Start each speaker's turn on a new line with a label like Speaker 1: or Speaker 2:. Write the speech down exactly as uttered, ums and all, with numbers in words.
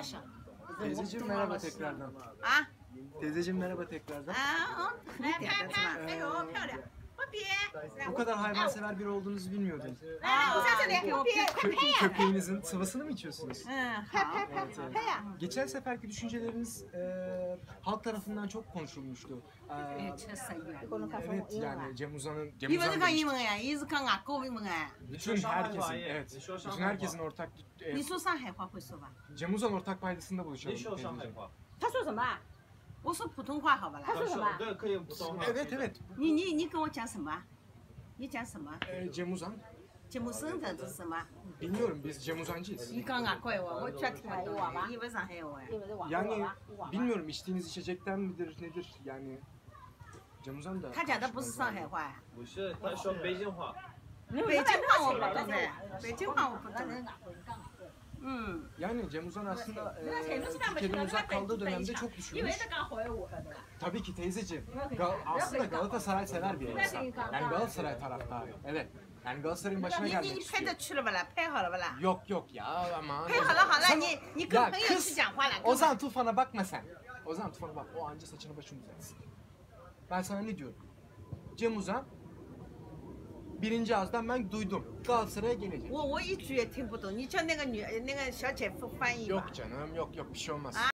Speaker 1: 大声。
Speaker 2: Teyzeciğim merhaba tekrardan.
Speaker 1: 啊
Speaker 2: Teyzeciğim merhaba tekrardan.
Speaker 1: 啊，来拍拍，哎呦漂亮，我别，
Speaker 2: Bu kadar hayvansever biri olduğunuzu bilmiyordum.
Speaker 1: 来我在这里，我别，
Speaker 2: Kö köpeğinizin sıvasını mı içiyorsunuz?
Speaker 1: 嗯，好，
Speaker 2: Evet, evet.
Speaker 1: 拍呀，
Speaker 2: Geçen seferki düşünceleriniz e, halk tarafından çok konuşulmuştu. E,
Speaker 1: 吃生源。
Speaker 2: evet yani Cem Uzan'ın Cem
Speaker 1: 你们是
Speaker 2: Uzan
Speaker 1: 讲英
Speaker 2: demişti.
Speaker 1: 文呀？伊是讲外国英文哎。
Speaker 2: Bütün herkesin, evet, bütün herkesin ortak e,
Speaker 1: 你说上海话会说吧？
Speaker 2: Cem Uzan ortak paydasında buluşalım.
Speaker 3: 你说上海
Speaker 2: teyzeciğim.
Speaker 3: 话，
Speaker 4: 他说什么？
Speaker 1: 我说普通话好吧啦。
Speaker 4: 说什么
Speaker 3: 对，可以普通话。
Speaker 2: Evet evet.
Speaker 1: 你你你跟我讲什么？你讲什么？
Speaker 2: E, Cem Uzan.
Speaker 1: 节目生的是什么？
Speaker 2: Bilmiyorum biz Cem Uzancıyız.
Speaker 1: 你讲外国话，我绝听不懂。你不上海话。
Speaker 4: 因为是网络
Speaker 2: Yani
Speaker 4: 吧，网吧。
Speaker 2: bilmiyorum içtiğiniz içecekten midir nedir yani. Cem Uzan da.
Speaker 1: 他讲的不是上海话呀。
Speaker 3: 不是，他说北京话。
Speaker 1: 北京话我不懂的，北京话我不懂。嗯，
Speaker 2: Yani Cem Uzan aslında e, Türkiye'den uzak kaldığı dönemde çok düşünmüş.
Speaker 4: 讲好话的。
Speaker 2: Tabii ki teyzeciğim. Gal aslında Galatasaray sever bir insan. Yani Galatasaray taraftarı. Evet. Yani Galatasaray'ın başına
Speaker 1: 你你
Speaker 2: gelmek
Speaker 1: 你拍
Speaker 2: istiyor.
Speaker 1: 的去了不啦？拍好了不啦？
Speaker 2: Yok yok ya aman.
Speaker 1: 拍好了好了，
Speaker 2: Sana-
Speaker 1: 你你跟
Speaker 2: Ya
Speaker 1: 朋友去
Speaker 2: kız
Speaker 1: 讲话了。
Speaker 2: Ozan Tufan'a bakma sen. Ozan Tufan'a bak. O anca saçını başını düzeltsin. Ben sana ne diyorum? Cem Uzan birinci ağızdan ben duydum. Galatasaray'a gelecek.
Speaker 1: 我我一句也听不懂，你叫那个女那个小姐夫翻译吧。
Speaker 2: Yok canım yok yok bir şey olmaz.